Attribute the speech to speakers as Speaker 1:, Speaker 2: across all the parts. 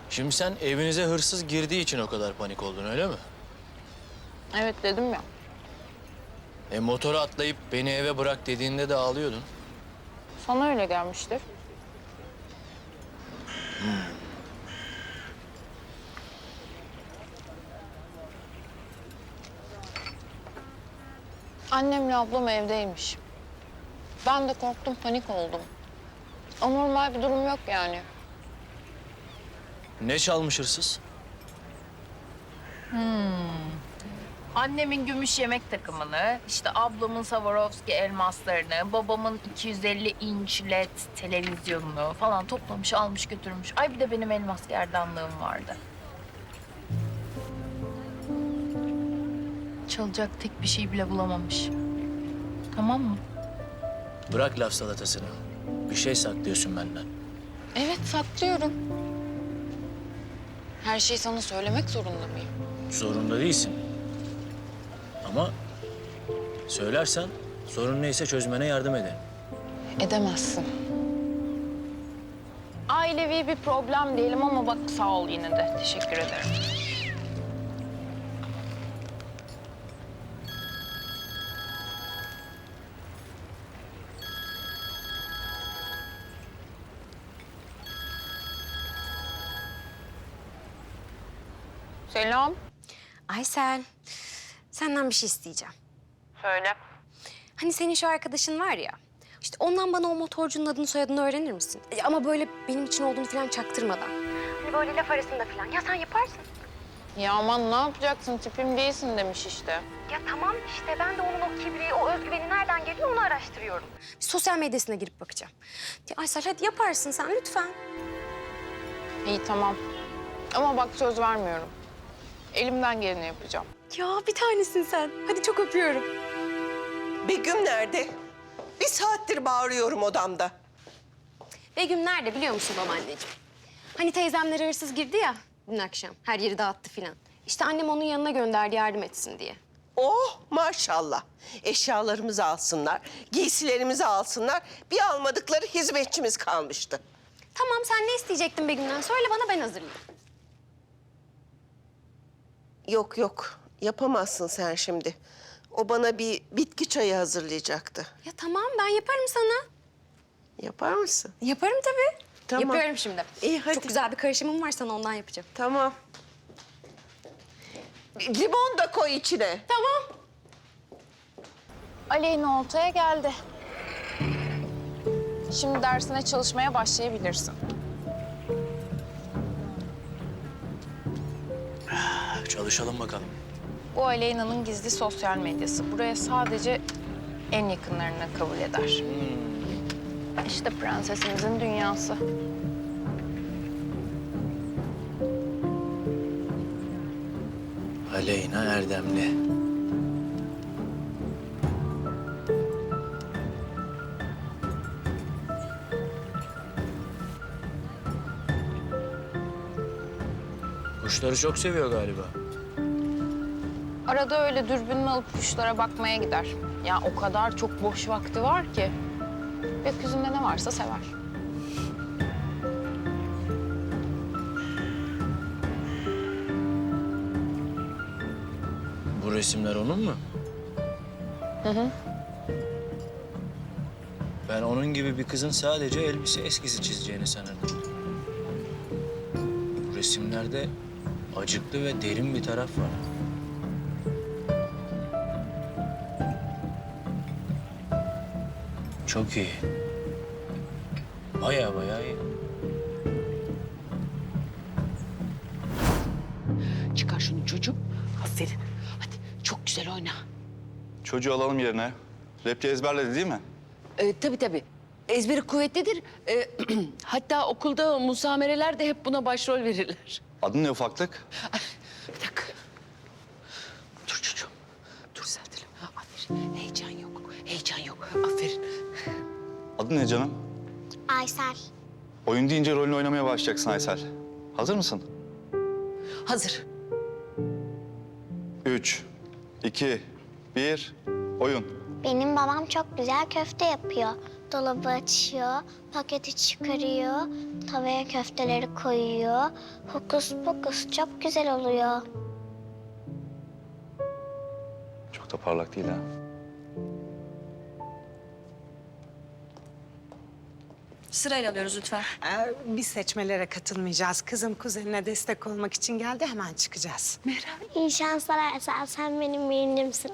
Speaker 1: Şimdi sen evinize hırsız girdiği için o kadar panik oldun, öyle mi?
Speaker 2: Evet dedim ya.
Speaker 1: Motora atlayıp beni eve bırak dediğinde de ağlıyordun.
Speaker 2: Sana öyle gelmiştir. Annemle ablam evdeymiş. Ben de korktum, panik oldum. Anormal bir durum yok yani.
Speaker 1: Ne çalmış hırsız?
Speaker 3: Annemin gümüş yemek takımını, işte ablamın Swarovski elmaslarını, babamın 250 inç LED televizyonunu falan toplamış, almış götürmüş. Ay bir de benim elmas gerdanlığım vardı. Çalacak tek bir şey bile bulamamış. Tamam mı?
Speaker 1: Bırak laf salatasını. Bir şey saklıyorsun benden.
Speaker 2: Evet, saklıyorum. Her şeyi sana söylemek zorunda mıyım?
Speaker 1: Zorunda değilsin. Ama söylersen sorun neyse çözmene yardım ederim.
Speaker 2: Edemezsin. Ailevi bir problem diyelim ama bak sağ ol yine de. Teşekkür ederim. Selam.
Speaker 4: Aysel, senden bir şey isteyeceğim.
Speaker 2: Söyle.
Speaker 4: Hani senin şu arkadaşın var ya, işte ondan bana o motorcunun adını soyadını öğrenir misin? Ama böyle benim için olduğunu falan çaktırmadan. Hani böyle laf arasında falan. Ya sen yaparsın.
Speaker 2: Ya aman ne yapacaksın? Tipim değilsin demiş işte.
Speaker 4: Ya tamam işte ben de onun o kibri, o özgüveni nereden geliyor onu araştırıyorum. Bir sosyal medyasına girip bakacağım. Ya Aysel hadi yaparsın sen lütfen.
Speaker 2: İyi tamam. Ama bak söz vermiyorum. Elimden geleni yapacağım.
Speaker 4: Ya bir tanesin sen. Hadi çok öpüyorum.
Speaker 5: Begüm nerede? Bir saattir bağırıyorum odamda.
Speaker 4: Begüm nerede biliyor musun babaanneciğim? Hani teyzemlere hırsız girdi ya dün akşam. Her yeri dağıttı filan. İşte annem onun yanına gönderdi yardım etsin diye.
Speaker 5: Oh maşallah. Eşyalarımızı alsınlar, giysilerimizi alsınlar. Bir almadıkları hizmetçimiz kalmıştı.
Speaker 4: Tamam sen ne isteyecektin Begüm'den? Söyle bana ben hazırlayayım.
Speaker 5: Yok yok, yapamazsın sen şimdi. O bana bir bitki çayı hazırlayacaktı.
Speaker 4: Ya tamam ben yaparım sana.
Speaker 5: Yapar mısın?
Speaker 4: Yaparım tabii.
Speaker 5: Tamam.
Speaker 4: Yapıyorum şimdi.
Speaker 5: İyi, hadi.
Speaker 4: Çok güzel bir karışımım var sana ondan yapacağım.
Speaker 5: Tamam. Limon da koy içine.
Speaker 4: Tamam.
Speaker 2: Aleyna oltaya geldi. Şimdi dersine çalışmaya başlayabilirsin.
Speaker 1: Çalışalım bakalım.
Speaker 2: Bu Aleyna'nın gizli sosyal medyası. Buraya sadece en yakınlarını kabul eder. İşte prensesimizin dünyası.
Speaker 1: Aleyna Erdemli. Kuşları çok seviyor galiba.
Speaker 2: Arada öyle dürbününü alıp kuşlara bakmaya gider. Ya o kadar çok boş vakti var ki. Gökyüzünde ne varsa sever.
Speaker 1: Bu resimler onun mu?
Speaker 2: Hı.
Speaker 1: Ben onun gibi bir kızın sadece elbise eskisi çizeceğini sanırdım. Bu resimlerde acıklı ve derin bir taraf var. Çok iyi. Baya iyi.
Speaker 6: Çıkar şunu çocuğum. Aferin. Hadi çok güzel oyna.
Speaker 7: Çocuğu alalım yerine. Repçi ezberledi değil mi?
Speaker 6: Tabii. Ezberi kuvvetlidir. Hatta okulda musamereler de hep buna başrol verirler.
Speaker 7: Adı ne ufaklık?
Speaker 6: Bir dakika. Dur çocuğum. Dur Sertel'im. Aferin. Heyecan yok. Aferin.
Speaker 7: Adı ne canım?
Speaker 8: Aysel.
Speaker 7: Oyun deyince rolünü oynamaya başlayacaksın Aysel. Hazır mısın?
Speaker 6: Hazır.
Speaker 7: 3, 2, 1, oyun.
Speaker 8: Benim babam çok güzel köfte yapıyor. Dolabı açıyor, paketi çıkarıyor, tavaya köfteleri koyuyor. Hokus pokus çok güzel oluyor.
Speaker 7: Çok da parlak değil ha.
Speaker 9: Sırayla alıyoruz lütfen.
Speaker 10: Biz seçmelere katılmayacağız. Kızım kuzenine destek olmak için geldi, hemen çıkacağız.
Speaker 8: İyi şanslar Aysel, sen benim birinimsin.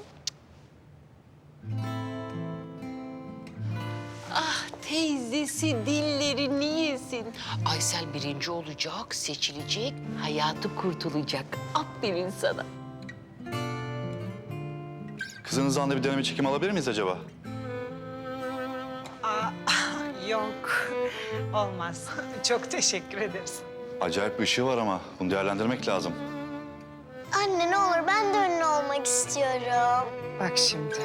Speaker 6: Teyzesi dillerini yesin. Aysel birinci olacak, seçilecek, hayatı kurtulacak. Aferin sana.
Speaker 7: Kızınızdan da bir deneme çekim alabilir miyiz acaba?
Speaker 10: Yok, olmaz. Çok teşekkür ederiz.
Speaker 7: Acayip bir ışığı var ama bunu değerlendirmek lazım.
Speaker 8: Anne ne olur ben de ünlü olmak istiyorum.
Speaker 10: Bak şimdi.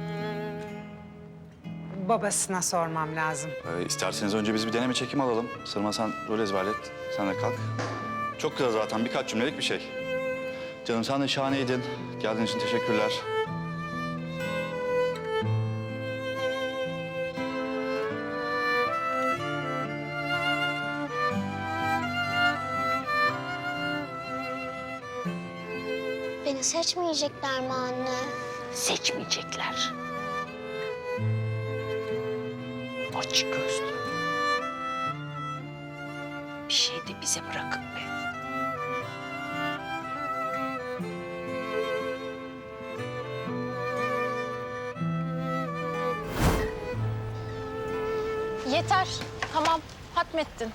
Speaker 10: Babasına sormam lazım.
Speaker 7: İsterseniz önce biz bir deneme çekim alalım. Sırma sen rol ezberlet. Sen de kalk. Çok kısa zaten birkaç cümlelik bir şey. Canım sen de şahaneydin. Geldiğin için teşekkürler.
Speaker 8: Beni seçmeyecekler mi anne?
Speaker 6: Seçmeyecekler. Aç gözlü. Bir şey de bize bırakın be.
Speaker 2: Yeter. Tamam. Hatmettin.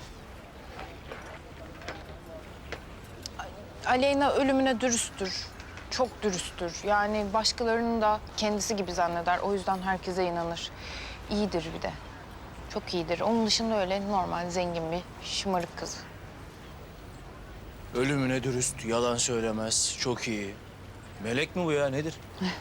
Speaker 2: Aleyna ölümüne dürüsttür. Çok dürüsttür. Yani başkalarını da kendisi gibi zanneder. O yüzden herkese inanır. İyidir bir de. Çok iyidir. Onun dışında öyle normal, zengin bir şımarık kız.
Speaker 1: Ölümüne dürüst, yalan söylemez. Çok iyi. Melek mi bu ya, nedir?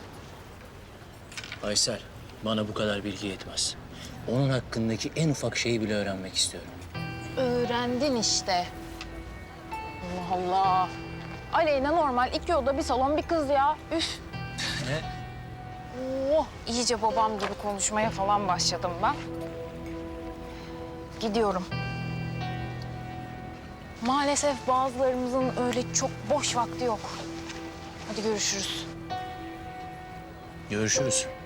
Speaker 1: Aysel, bana bu kadar bilgi yetmez. Onun hakkındaki en ufak şeyi bile öğrenmek istiyorum.
Speaker 2: Öğrendin işte. Allah Allah. Aleyna normal 2 oda bir salon bir kız ya. Üf.
Speaker 1: Ne?
Speaker 2: Oh, iyice babam gibi konuşmaya falan başladım ben. Gidiyorum. Maalesef bazılarımızın öyle çok boş vakti yok. Hadi görüşürüz.
Speaker 1: Görüşürüz.